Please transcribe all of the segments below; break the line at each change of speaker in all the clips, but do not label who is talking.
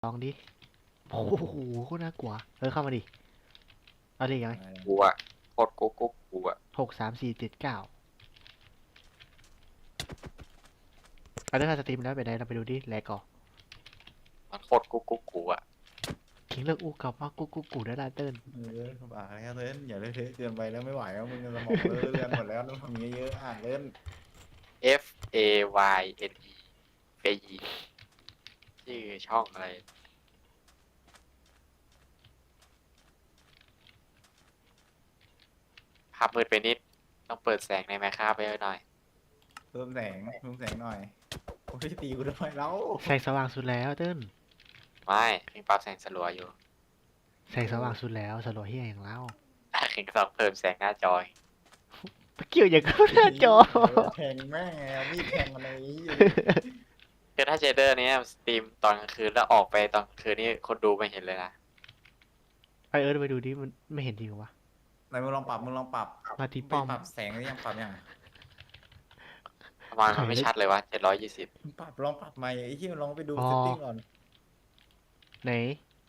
ลองดิโอ้โหโคตรน่ากลัวเข้ามาดิเอาดิยังไง
กูอะโคตรกุ๊กกุ๊กกูอะ
6 3 4 7 9เอาเรื่องการสตรีมแล้วไปไหนเราไปดูดิแลก่อน
มันโคตรกุ๊กกุ๊กกูอะ
คิงเลิกอู้กับว่ากูได้ละเติ้ล
บ้าแล้วเล่นอย่าเล่นเทอะเกินไปแล้วไม่ไหวแล้วมึงสมองเลื่อนหมดแล้วต้องทำเยอะๆเล่น
F A Y N E เฟยีชื่อช่องอะไรภาพมืดไปนิดต้องเปิดแสงในไมค์ค่าไปหน่อย
เพิ่มแสงหน่อยโอ้ยตีกูทำไมแล้ว
แสงสว่างสุดแล้วเติ้ล
ไม่เพิ่งปรับแสงสลัวอยู่
แสงสว่างสุดแล้วสโลว์เฮียอย่างเล่า
เพิ่งต้องเพิ่มแสงหน้าจอย
เกี่ยวอย่างเข้าหน้าจอ
แทงแม่งมีดแทงอะไรนี้
คือถ้าเจเดอร์เนี้ยสตรีมตอนกลางคืนแล้วออกไปตอนกลางคืนนี่คนดูไม่เห็นเลยนะ
ไปไปดูดิมันไม่เห็นจริงเหรอวะ
ไหนมึงลองปรับ
มาที่ป้อม
ปรับแสงหรือยังปรับยัง
ทำไมมันไม่ชัดเลยวะ720
ลองปรับใหม่ไอ้ที่ลองไปดู
อ๋อ
เซตติ้งก่อน
ไหน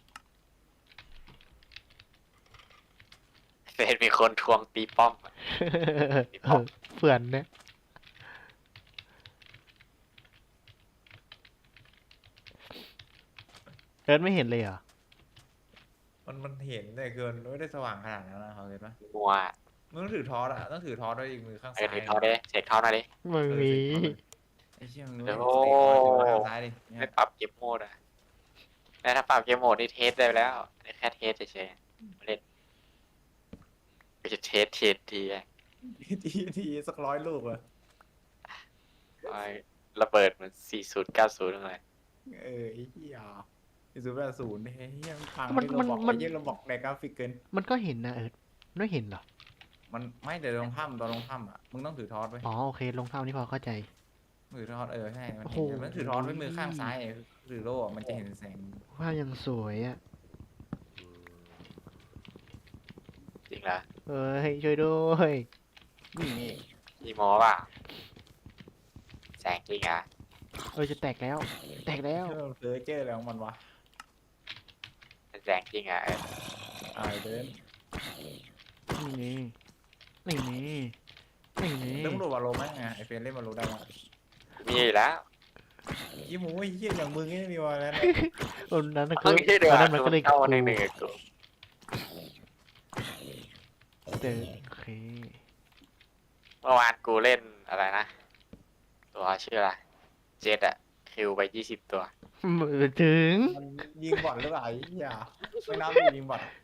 เฟซมีคนทวงตีป้อมอะ
เฟื่อนเนี่ยไม่เห็นเลยเหรอ
มันเห็นแต่คือไม่ได้สว่างขนาดนั้นนะเขาเห็นปะ
มัว
มึงต้องถือทอสต้องถือทอสด้วยอีกมือข้างซ้าย
ถือท่อดิเสกท่อหน่อยดิ
มึงมี
ไอ้เชี่ยมึง
โอ้
รู้เตะทอสถือข้างซ้ายดิ
ไม่ปรับเกมโหมดอ่ะแต่ถ้าปรับเกมโหมดนี่เทสได้แล้วนี่แค่เทสเฉยๆไม่เล่นก็จะเทสทีอะ
ทีสัก100 ลูกอะ
เอาระเบิดเหมือน40 90เลย
ไอ้เหี้ย080เฮ้ยมันพัง
มัน
ไม่
มัน
เราบอก
มัน
ไอ้เหี้ยเราบอกในกราฟิกเกิน
มันก็เห็นนะไม่เห็นเหรอ
มันไม่แต่ลงถ้ำตอนลงถ้ำอ่ะมึงต้องถือทอสไว้
อ๋อโอเคลงเท่านี้พอเข้าใจ
ถือทอสใช่มัน
โอ้โห
เห็นมันถือทอสไว้มือข้างซ้ายถือโล่อะมันจะเห็นแสง
ว่ายังสวยอ่ะ
จริงเหรอ
เอ้ยช่วยด้วย
นี่
มีหมอเปล่าแสงจริงอ่ะ
จะแตกแล้ว แตกแล้ว
เจอแล้วมันวะ
เป็นแสงจริงอ่ะ
เดิน
นี่นี่นี่นี่นี่
ต้องดูวาโลไหมไอเฟนเล่นวาโลได้ไหม
มีอยู่แล้ว
ยี่หมูไอ้เหี้ยอย่างมึงไม่มีวาแล้ว
ตอนนั้นคื
ต้อ
อง
ชื่อเดือ
ตอน
ด
นั้นมันก็เลย
เข้า
กู
หนึ่งกับกู
เจอโอเค
เมื่อวานกูเล่นอะไรนะ ตัวชื่ออะไรเจ็ดอะคิวไป20 ตัว
ถึง
มันยิงบอลหรือเปล่าไอ้เหี้ยไม่นับยิงบอล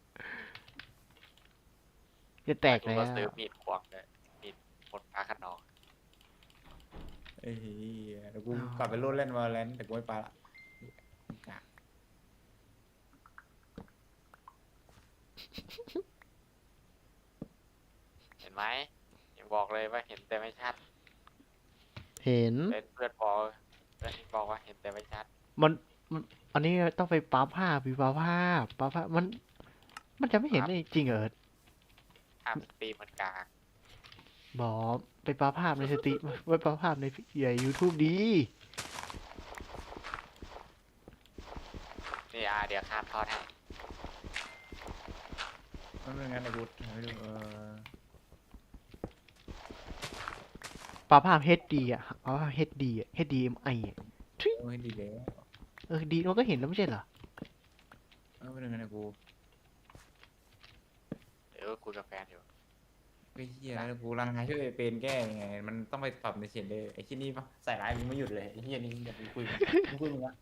จะแตก
กู
แล้ว
ก็ซื้อมีดควงเลยมีดหมดพาขนอง
ไอ้เหี้ยเดี๋ยวกูกลับไปโลดเล่นวาแลนแต่กูไม่ไปละ
เห็นไหมยังบอกเลยว่าเห็นแต่ไม่ชัด
เห็น
เป็นเพื่อนบอกเพื่อนที่บอกว่าเห็นแต่ไม่ชัด
มันอันนี้ต้องไปปั๊บภาพปั๊บภาพมันจะไม่เห็นได้จริงเหรอ
ภาพสตรีมมันกลาง
บอกไปปั๊บภาพในสติไปปั๊บภาพในใหญ่ YouTube ดี
นี่เดี๋ยวข้ามทอดให้
มันเป็นงั้นไอ้กูไม่ดู
ปั๊บภาพ HD อ่ะปั๊บภาพ HD อ่ะ HDMI อ่ะ
ไม่ดีแล้ว
ดีมันก็เห็นแล้วไม่ใช่เหรอ
ไม่เป็นงั้นไอ้กู
เดี๋ยวคุยกับแฟนอยู่
ไอ้เหี้ยแล้วกูรังหาช่วยเป็นแก้ยังไงมันต้องไปปรับในเฉดเลยไอ้ที่นี่ปะใส่ร้ายมึงไม่หยุดเลยไอ้เหี้ยนี่อย่าไปคุยมึงอะ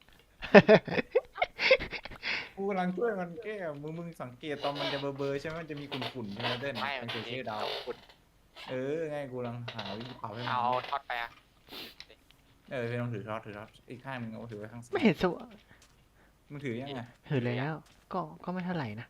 กูกำลังช่วยมันแก้มึงสังเกตตอนมันจะเบอร์ใช่ไหมมันจะมีขุ่นๆใช่ไหมเด่น
ไม่
มัน
มี
จะชื่อดาว
ขุด
ไงกูกำลังหาวิธีปรับให้มัน
เอาทอดไปอ่ะ
เป็นลองถือทอดอีกข้างนึงเอาถือไว้ข้างซ้า
ไม่
ย
เห็นสว
มึงถือยังไง
เห็นแล้ว ก็ไม่เท่าไหร่นะ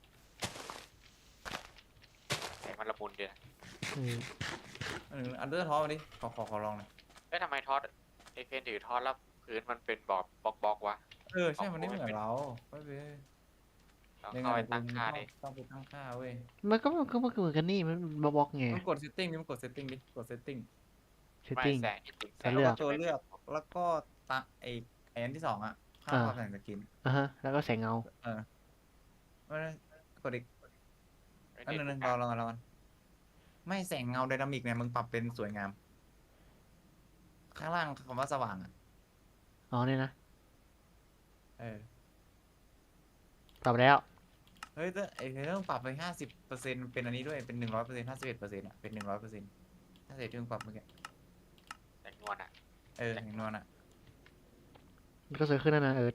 แสงมันละมุนดีนะ
อันเดอร์ทอดมาดิขอลองหน่อย
ทำไมทอดไอเฟนถือทอดแล้วพื้นมันเป็นบล็อกวะ
ใช่มันไม่เหมือนเราไม่เป็น
ต้องเข้าไปตั้งค่าดิ
ต้องไปตั้งค่าเว้ย
มันก็เหมือนกันนี่มันบล็อกไง
มันกดเซตติ้งดิมันกดเซตติ้งดิกดเซตติ้ง
เซต
ไม่
ติ้ง
แสงที่จริงแสง
เลือก
ตัวเลือกแล้วก็ตั้งไอ้อันที่2อ่ะข้างปรับแต่งสกิน
แล้วก็แสงเงา
เออไม่ได้กดอีก
ไม่
อัน
เน็ต
นึงรอกันไม่แสงเงาไดนามิกเนี่ยมึงปรับเป็นสวยงาม ข้างล่างคำว่าสว่างอ่ะ
อ๋อเนี่ยนะ
เออ
ปรับแล้ว
เฮ้ยแต่ไอ้เรื่องปรับไป50%เป็นอันนี้ด้วยเป็น100% 51%อ่ะเป็น100%ถ้าเสร็จที่มึงปรับเมื่อกี้
แต่งวนอ่ะ
อย่างนวลอ่ะ
มันก็สวยขึ้นแล้วนะเอิร์ธ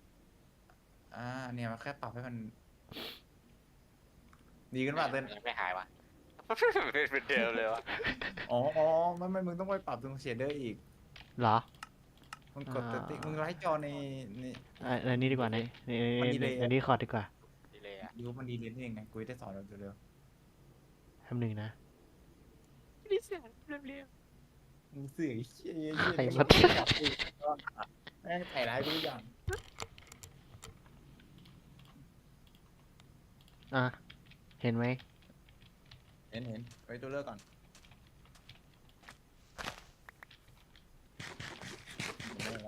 เนี่ยมันแค่ปรับให้มัน ดีขึ้นป่ะเต้น
ยังไม่หายวะ เป็นเดิมเลยวะ
อ๋อไม่มึงต้องไปปรับตรงเชดเดอร์อีก
เหรอ
มึงกด
อ่า
ติ๊กมึงไลท์จอใน
อันนี้ดีกว่าใน
มันดีเลยอะ
อันนี้คอร์ดดีกว่า
ดีเลยอ่ะ
ยูมันดีเลยนี่เองไงกูจะได้สอนเราเร็ว
ทำหนึ่งนะ
ดีเสียงเรียบ
ๆมึงเสื่อไอ้เชี่ย
ใครมา
แม่งถ่ายร้ายกูทุกอย่าง
เห็นไหม
เห็นไว้ตัวเลือกก่อนเห็นแล้ว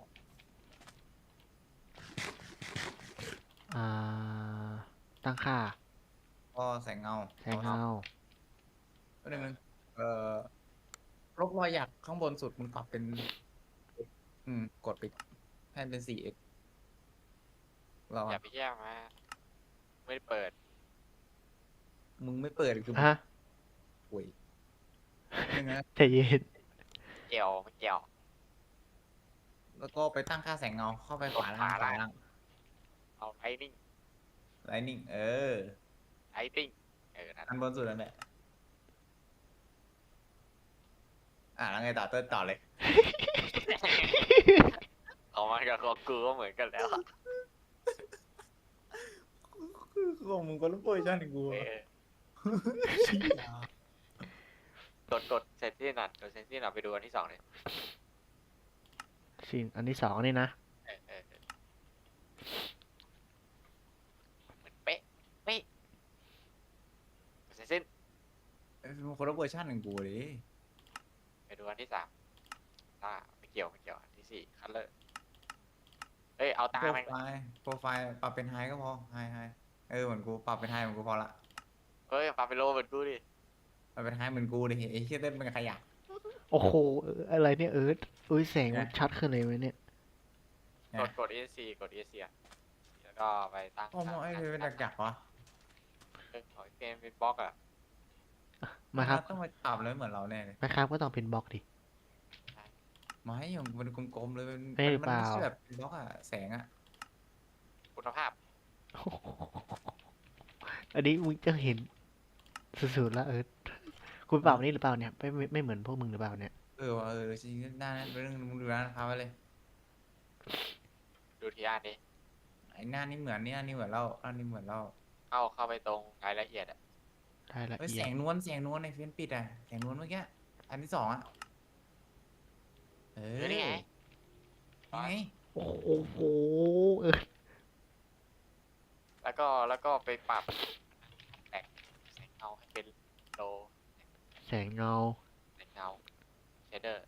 อ่า ตั้งค่า
ก็แสงเงา
แสงเงา
ตัวนึงลบรอยหยักข้างบนสุดมึงปรับเป็น กดไปให้เป็น 4x เรา
อย่าไปแย่งมาไม่ได้เปิด
มึงไม่เปิดคือ
ฮะ
ป่วยนึงนะ
ใจเย็น
เกี่ยวไม่เกี่ยว
แล้วก็ไปตั้งค่าแสงเงาเข้าไปขวาล่าง
ขวาล่าง เอาไลนิ่ง
ไลนิ่ง
ไลติ้งนั่น
อันบนสุดนั่นแหละแล้วไงต่อเลย
เอามันกับของกูก็เหมือนกันแล้ว
ของมึงก็รู้โปรชั่นกู
เออกดเซนซี่หน่อยกดเซนซี่หน่อยไปดูอันที่สองเลย
สิ่งอันที่สองนี่นะ
เหมือนเป๊ะกดเซนซี่
มึงคนละเวอร์ชันหนึ่งกูเลย
ไปดูอันที่สามไม่เกี่ยวอันที่สี่คัลเลอร์เอ้ยเอาตา
โปร
มัน
ไฟล์ปรับเป็นไฮก็พอไฮเหมือนกูปรับเป็นไฮเหมือนกูพอละ
เฮ้ยปาไปโลเหมือนกูดิ
ปรับเป็นไฮเหมือนกูดิไอ้เชี่ยเต้นเป็นขยะ
โอ้โห อะไรเนี่ยเอิร์ธอุ้ยแสงมันชัดขึ้นเลยไหมเนี่ย
กด ESC กด ESC อ่ะแล้วก็ไปตั้ง
โอ้โหไอ้เป็นจักรวะ
ขอเกมเป็นบล็อกอ่ะ
มาครับ
ต้องมาปรับเลยเหมือนเราแน่เลย
นะครับก็ต้องเป็นบล็อกดิ
ไม่อย่างมันกลมๆเลยมัน
ไม่หรือเปล่า
ไม่ใช่แบบบล็อกอะแสงอะ
คุณภาพ
อันนี้มึงจะเห็นสุดๆแล้วเอิร์ธคุณเปล่านี่หรือเปล่าเนี่ยไม่เหมือนพวกมึงหรือเปล่าเนี่ย
ว่ะจริงๆหน้านั้นเป็นเรื่องมึงดูร้านค้าไว้เลย
ดูทีอ่านดิ
ไอ้หน้านี่เหมือนนี่หน้านี่เหมือนเราหน้านี่เหมือนเรา
เข้าไปตรงรายละเอียดอ่ะ
ได้ละ
เฮ้ย
เอี
แส
ยด
งนวลในเฟซปิดอะแสงนวลเมื่อกี้อันที่สองอะ
นี่ไง
นี่ไง
โอ้โหเอิร์ธ
แล้วก็ไปปรับแต่งแสงเงาให้เป็นโล
แสงเงา
แสงเงาเชดเดอร์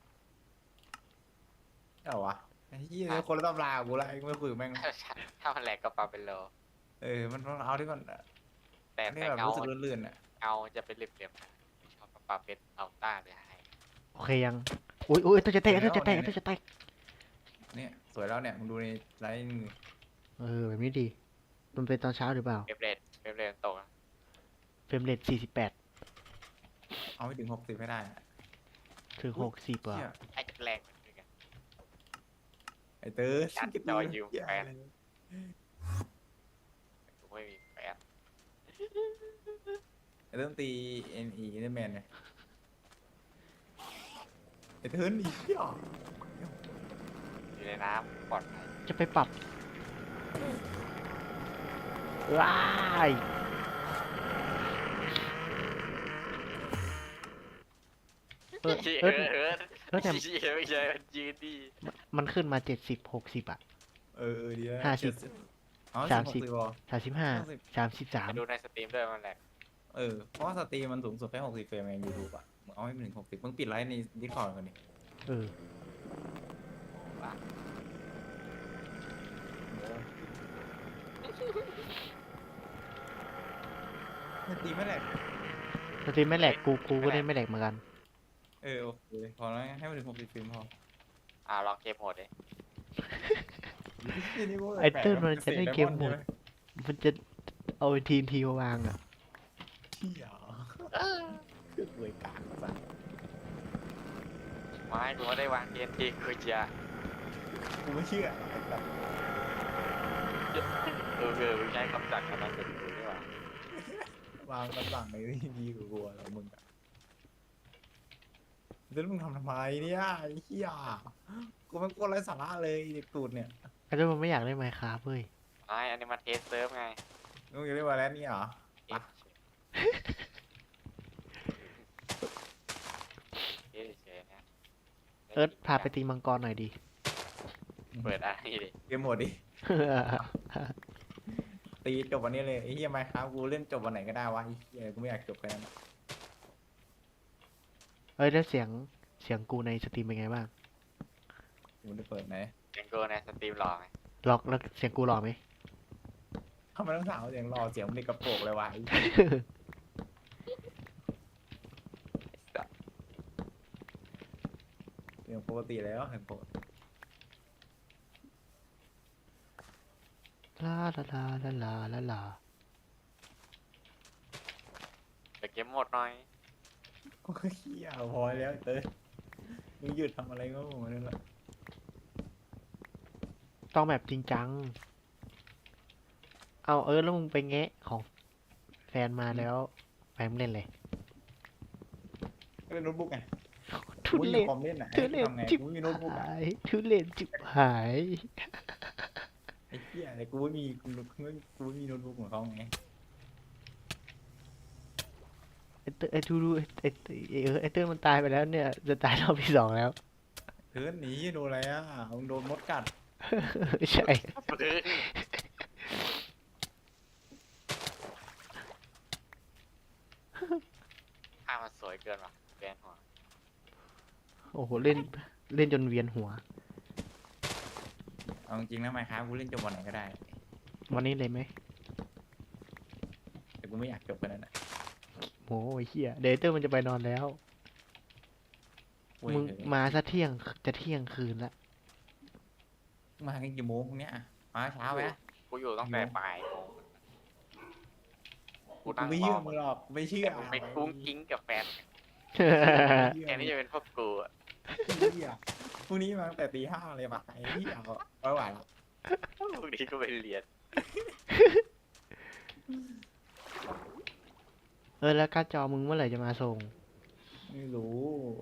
เอาวะไอ้ยี่คนละตำรากูละไอ้ไม่คุยกับแม่ง
ถ้ามันแหลกก็ปรับเป็นโล
มันต้องเอาที่ก่อน
แต่
ที่
แต่
แบบ
เงา
รู้สึกลื่นๆอะ
เงาจะเป็นเหลี่ยมๆไม่ชอบปรับเป็นอัลต้าเลยให้
โอเคยังอุ้ยตัวจะแตกตัวจะแตกตัวจะแตก
เนี่ยสวยแล้วเนี่ยมึงดูในไลน์มือ
แบบนี้ดี มันเป็นตอนเช้าหรือเปล่า
เฟรมเรทตก
เฟรมเรท48
เอาให้ถึง60ให้ได้อะ
ถึง60อ่ะ
เหี้ย
ไอ้แรงมันเป็นไง
ไอ้เตอร์
ยัดจอยืมแฟน กูไม่มีแฟน
ไอ้เริ่มตี NE เนแมนเนี่ยไอ้เทิร์นอีกเหี้ย
อยู่ในน้ำปลอดภัย
จะไปปรับว้ายเออ
เอ
เออ
อ
แล้วแต่
ไม่ใช่มันยืนดี
มันขึ้นมา70 60อ่ะ
ดีแล้ว
50
อ๋อ
30
60พอ
35
ไปดู
33
ในสตรีมด้วยมันแหลก
เพราะว่าสตรีมมันสูงสุดแค่60เฟรมเอง YouTube อ่ะมึงเอาให้มันถึง60มึงปิดไลฟ์ใน Discord กันดิ
เออ
มันตีไม่แหลก
สตรีมไม่แหลกกูก็เล่นไม่แหลกเหมือนกัน
โอเคพอแล้วให้มันถึง60 เฟรมพอ
ลองเกมโหมดดิ
ไอ้เติ้ลมันจะเล่นเกมโหมด มันจะเอาทีมมาวางอ่ะ
เที่ยคือรวยกากสัส
ไม่กูไม่ได้วางเกมทีกูจะ
กูไม่เชื่อแบบ
มึงใช้คำสั่งคำนั้นเป็นกูนี่หว่าว
างคำสั่งในที่ดีกว่ากูแล้วมึงอะแล้วมึงทำไมเนี่ยไอ้เหี้ยกูมันโคตรไร้สาระเลยเด็กตูดเนี่ย
ไอ้เติ้ลมันไม่อยากเล่นไมค์คราฟเว้ย
ไม่อันนี้มาเทสเซิร์ฟไง
มึงจะเรียกว่าแล้วนี่เหรอ
เทสเฉยๆนะ
เอิร์ธพาไปตีมังกรหน่อยดิ
เปิดอะไรดิ
เกมหมดดิ ตีจบวันนี้เลยไอ้เหี้ยไมค์ครับกูเล่นจบวันไหนก็ได้วะไอ้เหี้ยกูไม่อยากจบแค่นั้น
เอ้ยแล้วเสียงกูในสตรีมเป็นไงบ้าง
กูได้เปิดไหน
เสียงกูในสตรีมหล่อไหม
ล็อกแล้วเสียงกูหล่อไหม
ทำไมต้องถามว่าเสียงรอเสียงมันเด็กกระโปรงเลยวะไอ้เสียงปกติแล้วเสียงปกติ
ลาลาลาลาลาลาลา
เปิดเกมโหมดหน่อย
กูก็เหี้ยพอแล้วเต้ยมึงหยุดทำอะไรก็มึงนั่นแหละ
ต้องแบบจริงจัง เอาเอิร์ธแล้วมึงไปแงะของแฟนมาแล้วแฟนมึงเล่นเลย
ก็เล่นโน้ตบุ๊กไง
ทุ
กู
เร
มี
ศ
คอมเล่นอ่ะ
ทุเรศ
ทำไง
จิบ
กูไม่มีโน้ตบุ๊กอ่ะ
หายทุเรศจิบหาย
ไอ้เหี้ยแต่กูไม่มีกูไม่มีโน้ตบุ๊กของเขาไง
ไอ้เตไอ้ทูดูไอ้เติ้ลมันตายไปแล้วเนี่ย จะตายรอบที่ 2แล้ว
เฮ้ยหนีโดนอะไรอ่ะมึงโดนมดกัด
ใช่
ภาพมันสวยเกินว่ะแบนหัว
โอ้โหเล่นจนเวียนหัว
เอาจริงๆนะไมค์ครับกูเล่นจบวันไหนก็ได้
วันนี้เลยไหม
แต่กูไม่อยากจบกันนั่นแหละ
โอ้ยเฮียเดยวไอ้เติ้ลมันจะไปนอนแล้ว
เว้ย
มึงมาซะเที่ยงจะเที่ยงคืนละ
มากันกี่โมงพวกเนี้ยอะมาเช้าไหม
กูอยู่ตั้งแต่บ่ายโมง
กูไม่เชื่อมึงหรอกกูไม่เชื่อ
กูไปกุ้งกิ้งกับแฟนแค่นี้จะเป็นพวกกูอะ
เหี้ยพรุ่งนี้มาตั้งแต่ตี 5เลยมาไอ้เหี้ยไม่ไหวแล้ว
พวกนี้ก็ไปเรียน
แล้วการ์ดจอมึงเมื่อไหร่จะมาส่ง
ไม่รู้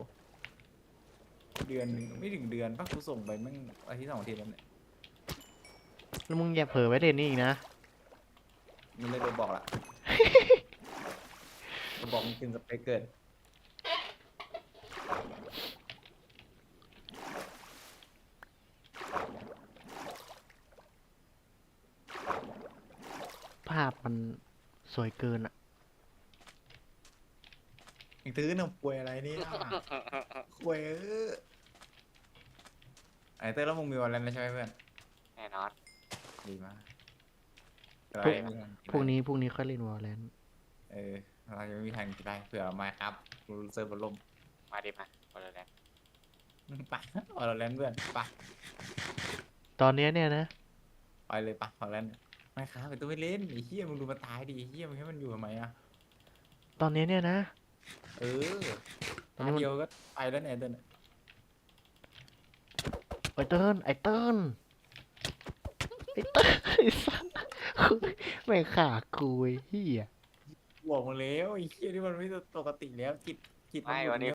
เดือนหนึ่งไม่ถึงเดือนป่ะกูส่งไปมั่งอาทิตย์2 อาทิตย์แล้วเนี่ย
แล้วมึงอย่าเผลอไว้เด่นนี่อีกนะ
มึงเลยโดนบอกละ กูบอกมึงกินสเปกเกิน
ภาพมันสวยเกินอ่ะ
อีกตื้อหนึ่งป่วยอะไรเนี่ยป่วยไอ้เต้ยแล้วมึงมีวันแล้วใช่ไหมเพื่อน
แน่นอน
ดีมาก
พวก พรุ่งนี้ค่อยเล่นวอลเลน
เราจะไม่มีทางจะได้เผื่อมาครับกูเซิร์ฟบอลล่ม
มาดิมาบอลแล้ว
ไปออร์แลนด์เพื่อนไป
ตอนเนี้ยเนี่ยนะ
ไปเลยไปออร์แลนด์ไม่ครับไปตัวไม่เล่นไอ้เหี้ยมึงดูมันตายดิไอ้เหี้ยมึงให้มันอยู่ทำไมอ่ะ
ตอนนี้เนี่ยนะ
เออตาเดียวก็ไปแล้วเนี่ยเต้น
ไอ้เติ้ลไอ้สัสไม่งขากูไอ้เหี้ย
บอกมาแล้วไอ้เหี้ยนี่มันไม่ปกติแล้วจิตมัน
ไม่วันนี้